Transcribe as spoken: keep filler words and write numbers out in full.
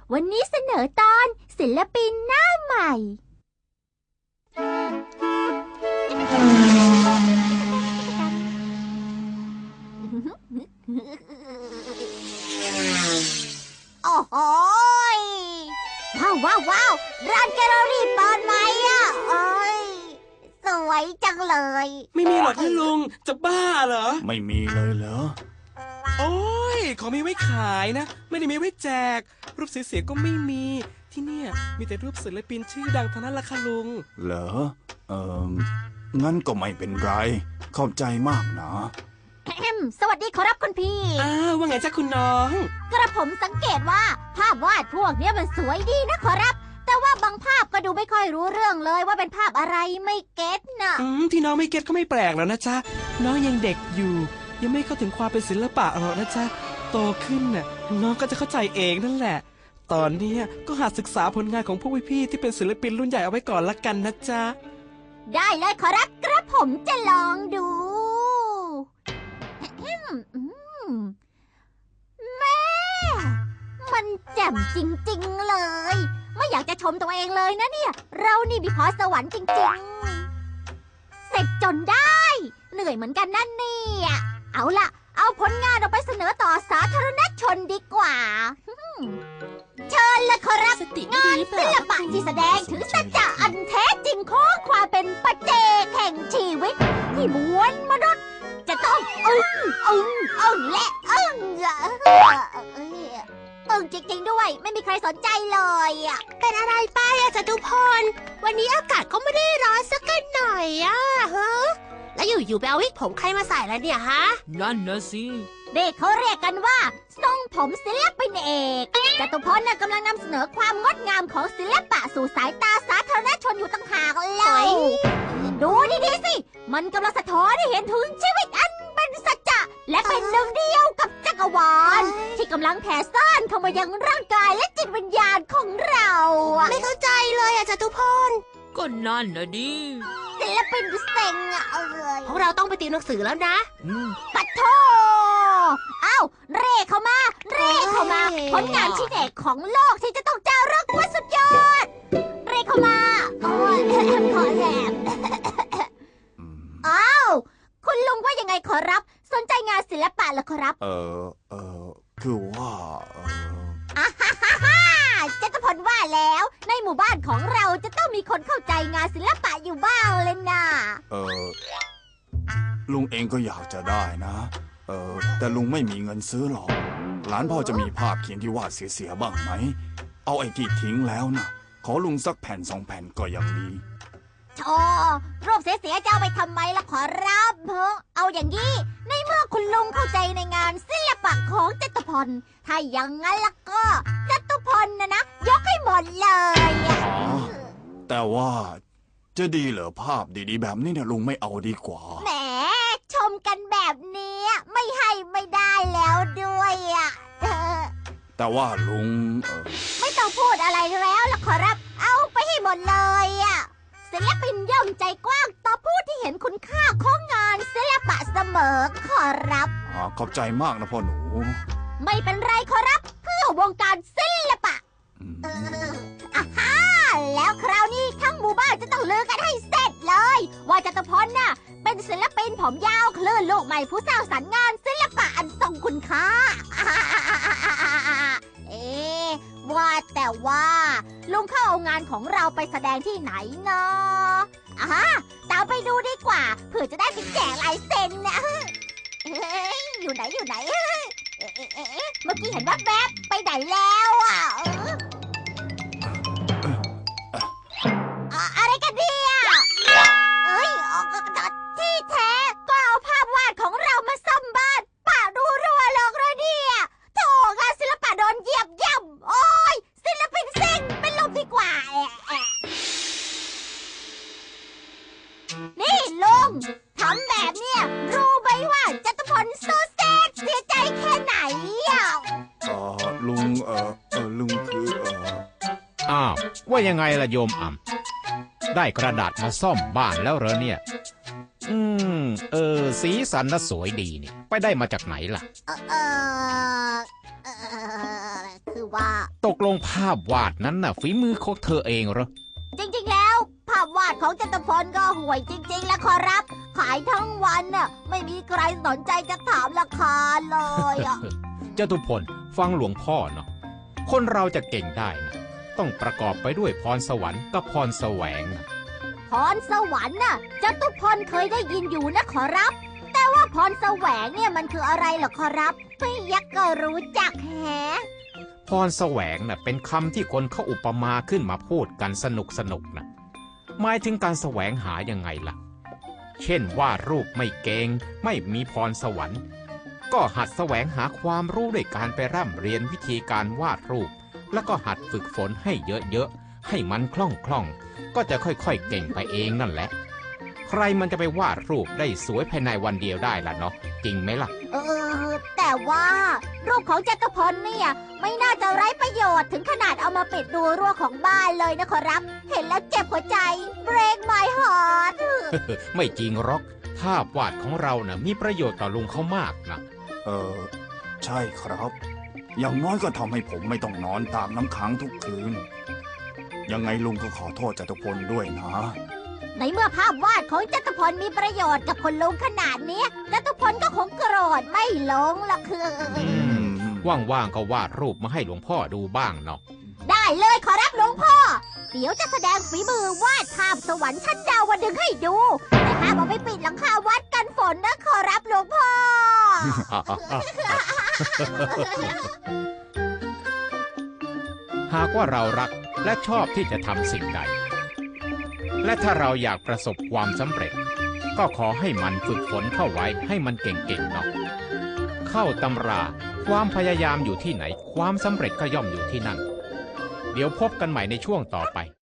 วันนี้เสนอตอนศิลปินหน้าใหม่โอ้โหว้าวว้าวว้าวร้านแกลเลอรี่เปิดไหมอ่ะเอ้ยสวยจังเลยไม่มีหรอกท่านลุงจะบ้าเหรอไม่มีเลยเหรอโอ้ยของมีไว้ขายนะไม่ได้มีไว้แจกรูปเสียๆก็ไม่มีที่เนี่ยมีแต่รูปศิลปินชื่อดังทั้งนั้นละค่ะลุงเหรอเอองั้นก็ไม่เป็นไรขอบใจมากนะสวัสดีขอรับคุณพี่อ้าวว่าไงจ๊ะคุณน้องกระผมสังเกตว่าภาพวาดพวกนี้มันสวยดีนะขอรับแต่ว่าบางภาพก็ดูไม่ค่อยรู้เรื่องเลยว่าเป็นภาพอะไรไม่เก็ตนะอืมที่น้องไม่เก็ตก็ไม่แปลกแล้วนะจ๊ะน้องยังเด็กอยู่ยังไม่เข้าถึงความเป็นศิลปะหรอกนะจ๊ะโตขึ้นน่ะน้องก็จะเข้าใจเองนั่นแหละตอนนี้ก็หาศึกษาผลงานของพวกพี่ๆที่เป็นศิลปินรุ่นใหญ่เอาไว้ก่อนละกันนะจ๊ะได้เลยขอรับกระผมจะลองดูแม่มันแจ่มจริงๆเลยไม่อยากจะชมตัวเองเลยนะเนี่ยเรานี่มีพรสวรรค์จริงๆเสร็จจนได้เหนื่อยเหมือนกันนั่นเนี่ยเอาล่ะเอาผลงานออกไปเสนอต่อสาธารณชนดีกว่าเชิญเลยขอรับงานศิลปะที่แสดงถึงสัจจะอันแท้จริงของความเป็นปัจเจกแห่งชีวิตที่มวลมนุษย์จะต้องอึ้งอึ้งอึ้งและอึ้งอึ้งจริงๆด้วยไม่มีใครสนใจเลยอ่ะเป็นอะไรไปอะจตุพรวันนี้อากาศก็ไม่ได้ร้อนสักหน่อยอะฮะแล้วอยู่ๆไปเอาวิกผมใครมาใส่แล้วเนี่ยฮะนั่นนะสิเด็กเขาเรียกกันว่าทรงผมศิลปินเอกจตุพรน่ะกำลังนำเสนอความงดงามของศิลปะสู่สายตาสาธารณชนอยู่ต่างหากเลยดูดีๆสิมันกำลังสะท้อนให้เห็นถึงชีวิตอันเป็นสัจจะและเป็นหนึ่งเดียวกับจักรวาลที่กำลังแผ่ซ่านเข้ามายังร่างกายและจิตวิญญาณของเราไม่เข้าใจเลยอะจตุพรก็นั่นนะดิศิลปินเซ็งอะเอ้ยพวกเราต้องไปติวหนังสือแล้วนะปัดโทเอ้าเร่เข้ามาเร่เข้ามาผลงานชิ้นเอกของโลกที่จะต้องจารึกว่าสุดยอดเร่เข้ามาโอ้ยขอแหบอ้าวคุณลุงว่ายังไงขอรับสนใจงานศิลปะเหรอขอรับเออเออคือว่าเอออ่าฮ่าฮ่าฮ่าจตุพรว่าแล้วในหมู่บ้านของเราจะต้องมีคนเข้าใจงานศิลปะอยู่บ้างเลยนะเออลุงเองก็อยากจะได้นะเออแต่ลุงไม่มีเงินซื้อหรอกหลานพ่อจะมีภาพเขียนที่วาดเสียๆบ้างไหมเอาไอ้ที่ทิ้งแล้วนะขอลุงสักแผ่นสองแผ่นก็ยังดีโธ่รูปเสียๆจะเอาไปทำไมล่ะขอรับเพิ่งเอาอย่างนี้ในเมื่อคุณลุงเข้าใจในงานศิลปะของจตุพรถ้าอย่างนั้นล่ะก็จตุพรนะนะยกให้หมดเลยอ๋อแต่ว่าจะดีเหรอภาพดีๆแบบนี้เนี่ยลุงไม่เอาดีกว่าแหมชมกันแบบนี้ไม่ให้ไม่ได้แล้วด้วยอ่ะแต่ว่าลุงไม่ต้องพูดอะไรแล้วล่ะขอรับเอาไปให้หมดเลยอ่ะศิลปินย่อมใจกว้างต่อผู้ที่เห็นคุณค่าของงานศิลปะเสมอขอรับอ๋อขอบใจมากนะพ่อหนูไม่เป็นไรขอรับเพื่อวงการศิลปะอ่าฮ่าแล้วคราวนี้ทั้งหมู่บ้านจะต้องลือกันให้เสร็จเลยว่าจตุพรน่ะเป็นศิลปินผมยาวคลื่นลูกใหม่ผู้สร้างสรรค์งานศิลปะอันทรงคุณค่าเอ๊ะว่าแต่ว่าลุงเข้าเอางานของเราไปแสดงที่ไหนเนาะอ่าตามไปดูดีกว่าเพื่อจะได้ไปแจกลายเซ็นนะเฮ้ยอยู่ไหนอยู่ไหนเมื่อกี้เห็นว่าแวบไปไหนแล้วอ่ะอะไรกันเนี่ยเอ้ยที่แท้ก็เอาภาพวาดของเรามาซ่อมบ้านป่าดูรัวหลอกเลยเนี่ยโถงานศิลปะโดนเหยียบย่ำโอ้ยศิลปินเซ็งเป็นลมดีกว่านี่ลุงทำแบบเนี้ยรู้ไหมว่าจตุพรโซเซตเสียใจแค่ไหนอ่ะเออลุงเออเออลุงคือเอออ้าวว่ายังไงล่ะโยมอ่ำได้กระดาษมาซ่อมบ้านแล้วเหรอเนี่ยอืมเออสีสันน่ะสวยดีนี่ไปได้มาจากไหนล่ะเออเออคือว่าตกลงภาพวาดนั้นน่ะฝีมือของเธอเองเหรอจริงๆแล้ว ภาพวาดของจตุพลก็ห่วยจริงๆ แล้วขอรับ ขายทั้งวันน่ะไม่มีใครสนใจจะถามราคาเลยอ่ะจตุพลฟังหลวงพ่อเนาะคนเราจะเก่งได้นะต้องประกอบไปด้วยพรสวรรค์กับพรแสวงนะพรสวรรค์น่ะจตุพลเคยได้ยินอยู่นะขอรับ แต่ว่าพรแสวงเนี่ยมันคืออะไรเหรอขอรับไม่ยักก็รู้จักแฮะพรแสวงน่ะเป็นคำที่คนเขาอุปมาขึ้นมาพูดกันสนุกสนุกนะหมายถึงการแสวงหายังไงล่ะ เช่นวาดรูปไม่เก่งไม่มีพรสวรรค์ ก็หัดแสวงหาความรู้ด้วยการไปร่ำเรียนวิธีการวาดรูป แล้วก็หัดฝึกฝนให้เยอะๆให้มันคล่องๆก็จะค่อยๆเก่งไปเองนั่นแหละ ใครมันจะไปวาดรูปได้สวยภายในวันเดียวได้ล่ะเนาะจริงไหมล่ะเออ แต่ว่ารูปของจตุพลเนี่ยไม่น่าจะไร้ประโยชน์ถึงขนาดเอามาปิดดูรั้วของบ้านเลยนะขอรับ เห็นแล้วเจ็บหัวใจ break my heart ไม่จริงหรอกภาพวาดของเราน่ะมีประโยชน์ต่อลุงเขามากนะเออ ใช่ครับ อย่างน้อยก็ทำให้ผมไม่ต้องนอนตากน้ำค้างทุกคืน ยังไงลุงก็ขอโทษจตุพลด้วยนะในเมื่อภาพวาดของจตุพลมีประโยชน์กับคนลุงขนาดเนี้ยจตุพลก็คงโกรธไม่ลงหรอกคือว่างๆก็วาดรูปมาให้หลวงพ่อดูบ้างเนาะได้เลยขอรับหลวงพ่อ เดี๋ยวจะแสดงฝีมือวาดภาพสวรรค์ชั้นดาวดึงให้ดู แต่ห้ามเอาไปปิดหลังคาวัดกันฝนนะขอรับหลวงพ่อหากว่าเรารักและชอบที่จะทำสิ่งใด และถ้าเราอยากประสบความสำเร็จ ก็ขอให้มันฝึกฝนเข้าไว้ให้มันเก่งๆเนาะเข้าตำราความพยายามอยู่ที่ไหนความสำเร็จก็ย่อมอยู่ที่นั่น เดี๋ยวพบกันใหม่ในช่วงต่อไป